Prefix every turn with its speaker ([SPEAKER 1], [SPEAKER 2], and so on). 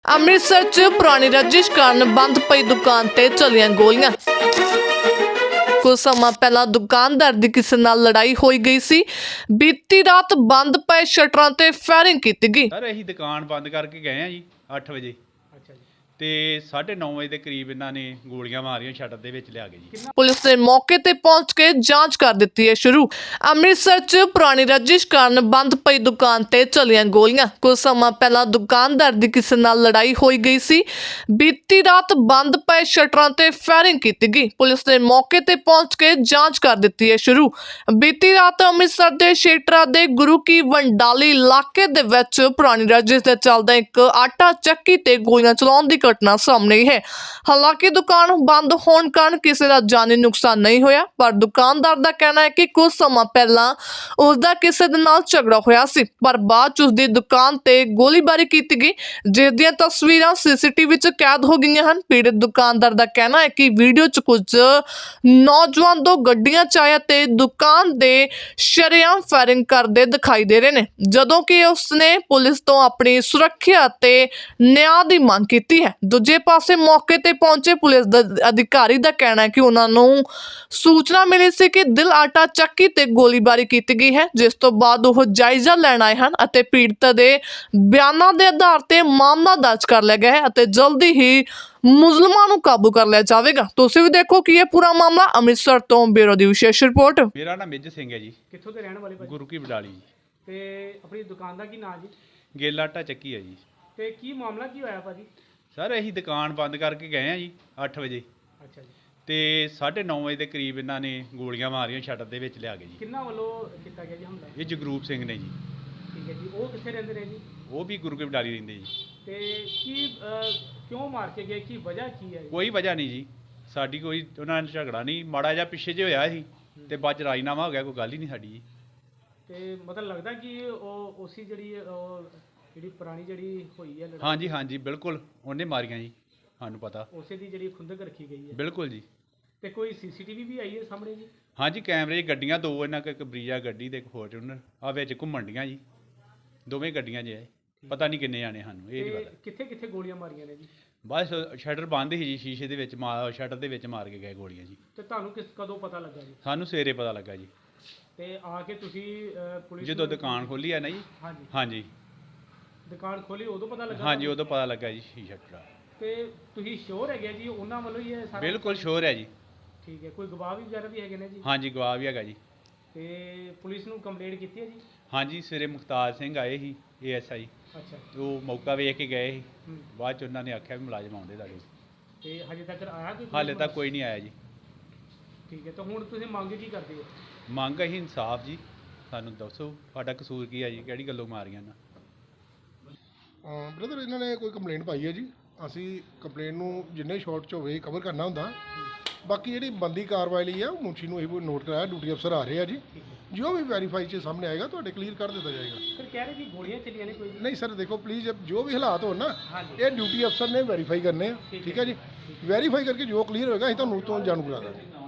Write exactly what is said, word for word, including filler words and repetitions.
[SPEAKER 1] ਅੰਮ੍ਰਿਤਸਰ 'ਚ ਪੁਰਾਣੀ ਰੰਜਿਸ਼ ਕਾਰਨ ਬੰਦ ਪਈ ਦੁਕਾਨ ਤੇ ਚੱਲੀਆਂ ਗੋਲੀਆਂ। ਕੁਝ ਸਮਾਂ ਪਹਿਲਾਂ ਦੁਕਾਨਦਾਰ ਦੀ ਕਿਸੇ ਨਾਲ ਲੜਾਈ ਹੋਈ ਗਈ ਸੀ। ਬੀਤੀ ਰਾਤ ਬੰਦ ਪਏ ਸ਼ਟਰਾਂ ਤੇ ਫਾਇਰਿੰਗ ਕੀਤੀ ਗਈ।
[SPEAKER 2] ਸਰ ਅਸੀਂ ਦੁਕਾਨ ਬੰਦ ਕਰਕੇ ਗਏ ਆ ਜੀ ਅੱਠ ਵਜੇ। ਅੱਛਾ ਜੀ। ਤੇ ਸਾਢੇ ਨੌ ਵਜੇ ਦੇ ਕਰੀਬ ਇਹਨਾਂ ਨੇ ਗੋਲੀਆਂ ਮਾਰੀਆਂ ਸ਼ਟਰ ਦੇ ਵਿੱਚ ਲਿਆ ਕੇ ਜੀ।
[SPEAKER 1] ਪੁਲਿਸ ਨੇ ਮੌਕੇ ਤੇ ਪਹੁੰਚ ਕੇ ਜਾਂਚ ਕਰ ਦਿੱਤੀ ਹੈ ਸ਼ੁਰੂ। ਅੰਮ੍ਰਿਤਸਰ 'ਚ ਪੁਰਾਣੀ ਰੰਜਿਸ਼ ਕਾਰਨ ਬੰਦ ਪਈ ਦੁਕਾਨ ਤੇ ਚੱਲੀਆਂ ਗੋਲੀਆਂ। ਕੁਝ ਸਮਾਂ ਪਹਿਲਾਂ ਦੁਕਾਨਦਾਰ ਦੀ ਕਿਸੇ ਨਾਲ ਲੜਾਈ ਹੋਈ ਗਈ ਸੀ। ਬੀਤੀ ਰਾਤ ਬੰਦ ਪਏ ਸ਼ਟਰਾਂ ਤੇ ਫਾਇਰਿੰਗ ਕੀਤੀ ਗਈ। ਪੁਲਿਸ ਨੇ ਮੌਕੇ ਤੇ ਪਹੁੰਚ ਕੇ ਜਾਂਚ ਕਰ ਦਿੱਤੀ ਹੈ ਸ਼ੁਰੂ। ਬੀਤੀ ਰਾਤ ਅੰਮ੍ਰਿਤਸਰ ਦੇ ਸ਼ੇਟਰਾ ਦੇ ਗੁਰੂ ਕੀ ਵੰਡਾਲੀ ਇਲਾਕੇ ਦੇ ਵਿੱਚ ਪੁਰਾਣੀ ਰੰਜਿਸ਼ ਦੇ ਚੱਲਦਾ ਇੱਕ ਆਟਾ ਚੱਕੀ ਤੇ ਗੋਲੀਆਂ ਚਲਾਉਣ ਦੀ ਘਟਨਾ ਸਾਹਮਣੇ ਆਈ ਹੈ। ਹਾਲਾਂਕਿ ਦੁਕਾਨ ਬੰਦ ਹੋਣ ਕਾਰਨ ਕਿਸੇ ਦਾ ਜਾਨੀ ਨੁਕਸਾਨ ਨਹੀਂ ਹੋਇਆ, ਪਰ ਦੁਕਾਨਦਾਰ ਦਾ ਕਹਿਣਾ ਹੈ ਕਿ ਕੁਝ ਸਮਾਂ ਪਹਿਲਾਂ ਉਸ ਦਾ ਕਿਸੇ ਦੇ ਨਾਲ ਝਗੜਾ ਹੋਇਆ ਸੀ, ਪਰ ਬਾਅਦ ਚ ਉਸ ਦੀ ਦੁਕਾਨ ਤੇ ਗੋਲੀਬਾਰੀ ਕੀਤੀ ਗਈ, ਜਿਸ ਦੀਆਂ ਤਸਵੀਰਾਂ ਸੀਸੀਟੀਵੀ ਵਿੱਚ ਕੈਦ ਹੋ ਗਈਆਂ ਹਨ। ਪੀੜਤ ਦੁਕਾਨਦਾਰ ਦਾ ਕਹਿਣਾ ਹੈ ਕਿ ਵੀਡੀਓ 'ਚ ਕੁਝ ਨੌਜਵਾਨ ਦੋ ਗੱਡੀਆਂ 'ਚ ਆਏ ਤੇ ਦੁਕਾਨ ਦੇ ਸ਼ਰੇਆਮ ਫਾਇਰਿੰਗ ਕਰਦੇ ਦਿਖਾਈ ਦੇ ਰਹੇ ਨੇ, ਜਦੋਂ ਕਿ ਉਸਨੇ ਪੁਲਿਸ ਤੋਂ ਆਪਣੀ ਸੁਰੱਖਿਆ ਤੇ ਨਿਆਂ ਦੀ ਮੰਗ ਕੀਤੀ ਹੈ। ਦੂਜੇ ਪਾਸੇ ਮੌਕੇ ਤੇ ਪਹੁੰਚੇ ਪੁਲਿਸ ਅਧਿਕਾਰੀ ਦਾ ਕਹਿਣਾ ਹੈ ਕਿ ਉਹਨਾਂ ਨੂੰ ਸੂਚਨਾ ਮਿਲੀ ਸੀ ਕਿ ਦਿਲ ਆਟਾ ਚੱਕੀ ਤੇ ਗੋਲੀਬਾਰੀ ਕੀਤੀ ਗਈ ਹੈ, ਜਿਸ ਤੋਂ ਬਾਅਦ ਉਹ ਜਾਇਜ਼ਾ ਲੈਣ ਆਏ ਹਨ ਅਤੇ ਪੀੜਤ ਦੇ ਬਿਆਨਾਂ ਦੇ ਆਧਾਰ ਤੇ ਮਾਮਲਾ ਦਰਜ ਕਰ ਲਿਆ ਗਿਆ ਹੈ ਅਤੇ ਜਲਦੀ ਹੀ ਮੁਲਜ਼ਮਾਂ ਨੂੰ ਕਾਬੂ ਕਰ ਲਿਆ ਜਾਵੇਗਾ। ਤੁਸੀਂ ਵੀ ਦੇਖੋ ਕਿ ਇਹ ਪੂਰਾ ਮਾਮਲਾ। ਅੰਮ੍ਰਿਤਸਰ ਤੋਂ ਬਿਊਰੋ ਦੀ ਵਿਸ਼ੇਸ਼ ਰਿਪੋਰਟ।
[SPEAKER 2] ਮੇਰਾ ਨਾਮ ਮੇਜ ਸਿੰਘ ਹੈ ਜੀ।
[SPEAKER 3] ਕਿੱਥੋਂ ਦੇ ਰਹਿਣ ਵਾਲੇ ਭਾਜੀ?
[SPEAKER 2] ਗੁਰੂ ਕੀ ਵਡਾਲੀ ਜੀ।
[SPEAKER 3] ਤੇ ਆਪਣੀ ਦੁਕਾਨ ਦਾ ਕੀ ਨਾਮ ਜੀ?
[SPEAKER 2] ਗੇਲਾ ਆਟਾ ਚੱਕੀ ਹੈ ਜੀ।
[SPEAKER 3] ਤੇ ਕੀ ਮਾਮਲਾ ਕੀ ਹੋਇਆ ਭਾਜੀ?
[SPEAKER 2] ਸਰ ਅਸੀਂ ਦੁਕਾਨ ਬੰਦ ਕਰਕੇ ਗਏ ਆ ਜੀ ਅੱਠ ਵਜੇ।
[SPEAKER 3] ਅੱਛਾ ਜੀ।
[SPEAKER 2] ਤੇ ਸਾਢੇ ਨੌ ਵਜੇ ਦੇ ਕਰੀਬ ਇਹਨਾਂ ਨੇ ਗੋਲੀਆਂ ਮਾਰੀਆਂ ਸ਼ਟਰ ਦੇ ਵਿੱਚ ਲਿਆ ਕੇ ਜੀ।
[SPEAKER 3] ਕਿੰਨਾ ਵੱਲੋਂ ਕੀਤਾ ਗਿਆ ਜੀ ਹਮਲਾ?
[SPEAKER 2] ਇਹ ਜਗਰੂਪ ਸਿੰਘ ਨੇ ਜੀ।
[SPEAKER 3] ਠੀਕ ਹੈ ਜੀ। ਉਹ ਕਿੱਥੇ ਰਹਿੰਦੇ ਨੇ ਜੀ?
[SPEAKER 2] ਉਹ ਵੀ ਗੁਰੂ ਕੀ ਵਡਾਲੀ ਰਹਿੰਦੇ ਜੀ।
[SPEAKER 3] ਤੇ ਕੀ ਅਹ, ਕਿਉਂ ਮਾਰ ਕੇ ਗਏ? ਕੀ ਵਜ੍ਹਾ ਕੀ ਹੈ?
[SPEAKER 2] ਕੋਈ ਵਜ੍ਹਾ ਨਹੀਂ ਜੀ, ਸਾਡੀ ਕੋਈ ਉਹਨਾਂ ਨਾਲ ਝਗੜਾ ਨਹੀਂ, ਮਾੜਾ ਜਿਹਾ ਪਿੱਛੇ ਜੇ ਹੋਇਆ ਸੀ ਤੇ ਬਾਅਦ ਚ ਰਾਜੀਨਾਮਾ ਹੋ ਗਿਆ, ਕੋਈ ਗੱਲ ਹੀ ਨਹੀਂ ਸਾਡੀ ਜੀ।
[SPEAKER 3] ਤੇ ਮਤਲਬ ਲੱਗਦਾ ਕਿ ਉਹ ਉਸੀ ਜਿਹੜੀ ਉਹ ਜਿਹੜੀ ਪੁਰਾਣੀ ਜਿਹੜੀ ਹੋਈ ਹੈ ਲੜਾਈ,
[SPEAKER 2] ਹਾਂਜੀ ਹਾਂਜੀ ਬਿਲਕੁਲ ਉਹਨੇ ਮਾਰੀਆਂ ਜੀ, ਸਾਨੂੰ ਪਤਾ।
[SPEAKER 3] ਉਸੇ ਦੀ ਜਿਹੜੀ ਖੁੰਦਕ ਰੱਖੀ ਗਈ ਹੈ?
[SPEAKER 2] ਬਿਲਕੁਲ ਜੀ।
[SPEAKER 3] ਤੇ ਕੋਈ ਸੀਸੀਟੀਵੀ ਵੀ ਆਈ ਹੈ ਸਾਹਮਣੇ ਜੀ?
[SPEAKER 2] ਹਾਂਜੀ ਕੈਮਰੇ 'ਚ ਗੱਡੀਆਂ ਦੋ, ਇਹਨਾਂ ਕੋਲ ਇੱਕ ਬਰੀਜਾ ਗੱਡੀ ਤੇ ਇੱਕ ਫੋਰਚੂਨਰ ਆ ਵਿੱਚ ਘੁੰਮਣ ਡੀਆਂ ਜੀ, ਦੋਵੇਂ ਗੱਡੀਆਂ 'ਚ ਹੈ। ਪਤਾ ਨਹੀਂ ਕਿੰਨੇ ਜਾਣੇ, ਸਾਨੂੰ ਇਹ ਨਹੀਂ ਪਤਾ।
[SPEAKER 3] ਕਿੱਥੇ ਕਿੱਥੇ ਗੋਲੀਆਂ ਮਾਰੀਆਂ ਨੇ ਜੀ?
[SPEAKER 2] ਬਸ ਸ਼ਟਰ ਬੰਦ ਸੀ ਜੀ, ਸ਼ੀਸ਼ੇ ਦੇ ਵਿੱਚ ਮਾਰ ਸ਼ਟਰ ਦੇ ਵਿੱਚ ਮਾਰ ਕੇ ਗਏ ਗੋਲੀਆਂ ਜੀ।
[SPEAKER 3] ਤੇ ਤੁਹਾਨੂੰ ਕਿਸ ਕਦੋਂ ਪਤਾ ਲੱਗਾ ਜੀ?
[SPEAKER 2] ਸਾਨੂੰ ਸਵੇਰੇ ਪਤਾ ਲੱਗਾ ਜੀ।
[SPEAKER 3] ਤੇ ਆ ਕੇ ਤੁਸੀਂ ਅਹ, ਪੁਲਿਸ
[SPEAKER 2] ਜਦੋਂ
[SPEAKER 3] ਨੂੰ-
[SPEAKER 2] ਦੁਕਾਨ ਖੋਲੀ ਆ ਨਾ ਜੀ।
[SPEAKER 3] ਹਾਂਜੀ।
[SPEAKER 2] ਹਾਂਜੀ
[SPEAKER 3] ਦੁਕਾਨ ਖੋਲੀ ਉਦੋਂ ਪਤਾ ਲੱਗਾ?
[SPEAKER 2] ਹਾਂਜੀ ਉਦੋਂ ਪਤਾ ਲੱਗਾ ਜੀ ਸ਼ੀਸ਼ਾ ਟੁੱਟਾ।
[SPEAKER 3] ਤੇ ਤੁਸੀਂ ਸ਼ੋਰ ਹੈਗੇ ਜੀ ਉਹਨਾਂ ਵੱਲੋਂ ਹੀ ਇਹ ਸਾਰਾ?
[SPEAKER 2] ਬਿਲਕੁਲ ਸ਼ੋਰ ਹੈ ਜੀ।
[SPEAKER 3] ਠੀਕ ਹੈ। ਕੋਈ ਗਵਾਹ ਵੀ ਵਗੈਰਾ ਵੀ ਹੈਗੇ ਨੇ ਜੀ?
[SPEAKER 2] ਹਾਂਜੀ ਗਵਾਹ ਵੀ ਹੈਗਾ ਜੀ।
[SPEAKER 3] ਤੇ ਪੁਲਿਸ ਨੂੰ ਕੰਪਲੇਂਟ ਕੀਤੀ ਹੈ ਜੀ?
[SPEAKER 2] ਹਾਂਜੀ ਸਵੇਰੇ ਮੁਖਤਾਰ ਸਿੰਘ ਆਏ ਸੀ ਏ ਐਸ ਆਈ,
[SPEAKER 3] ਅੱਛਾ।
[SPEAKER 2] ਉਹ ਮੌਕਾ ਵੇਖ ਕੇ ਗਏ ਸੀ।
[SPEAKER 3] ਹੂੰ।
[SPEAKER 2] ਬਾਅਦ ਚ ਉਹਨਾਂ ਨੇ ਆਖਿਆ ਵੀ ਮੁਲਾਜ਼ਮ ਆਉਂਦੇ ਤੁਹਾਡੇ।
[SPEAKER 3] ਤੇ ਹਜੇ ਤੱਕ ਆਇਆ ਕੋਈ?
[SPEAKER 2] ਹਾਲੇ ਤੱਕ ਕੋਈ ਨਹੀਂ ਆਇਆ ਜੀ।
[SPEAKER 3] ਠੀਕ ਹੈ। ਤਾਂ ਹੁਣ ਤੁਸੀਂ ਮੰਗ ਕੀ ਕਰਦੇ ਹੋ?
[SPEAKER 2] ਮੰਗ ਅਸੀਂ ਇਨਸਾਫ ਜੀ, ਸਾਨੂੰ ਦੱਸੋ ਸਾਡਾ ਕਸੂਰ ਕੀ ਹੈ ਜੀ, ਕਿਹੜੀ ਗੱਲੋਂ ਮਾਰੀਆਂ ਨਾ।
[SPEAKER 4] ਬ੍ਰਦਰ ਇਹਨਾਂ ਨੇ ਕੋਈ ਕੰਪਲੇਂਟ ਪਾਈ ਹੈ ਜੀ। ਅਸੀਂ ਕੰਪਲੇਂਟ ਨੂੰ ਜਿੰਨੇ ਸ਼ਾਰਟ 'ਚ ਹੋਵੇ ਕਵਰ ਕਰਨਾ ਹੁੰਦਾ। ਬਾਕੀ ਜਿਹੜੀ ਬੰਦੀ ਕਾਰਵਾਈ ਲਈ ਆ ਉਹ ਮੁਨਸ਼ੀ ਨੂੰ ਇਹ ਨੋਟ ਕਰਾਇਆ, ਡਿਊਟੀ ਅਫਸਰ ਆ ਰਹੇ ਆ ਜੀ। ਜੋ ਵੀ ਵੈਰੀਫਾਈ 'ਚ ਸਾਹਮਣੇ ਆਏਗਾ ਤੁਹਾਡੇ ਕਲੀਅਰ ਕਰ ਦਿੱਤਾ ਜਾਏਗਾ।
[SPEAKER 3] ਸਰ ਕਹਿ ਰਹੇ ਕਿ ਗੋਲੀਆਂ ਚੱਲੀਆਂ ਨੇ ਕੋਈ?
[SPEAKER 4] ਨਹੀਂ ਸਰ ਦੇਖੋ ਪਲੀਜ਼, ਜੋ ਵੀ ਹਾਲਾਤ ਹੋਣ ਨਾ
[SPEAKER 3] ਹਾਂਜੀ।
[SPEAKER 4] ਇਹ ਡਿਊਟੀ ਅਫਸਰ ਨੇ ਵੈਰੀਫਾਈ ਕਰਨੇ ਆ। ਠੀਕ ਹੈ ਜੀ। ਵੈਰੀਫਾਈ ਕਰਕੇ ਜੋ ਕਲੀਅਰ ਹੋਏਗਾ ਅਸੀਂ ਤੁਹਾਨੂੰ ਤੋਂ ਜਾਣੂ ਕਰਾ ਦਾਂਗੇ।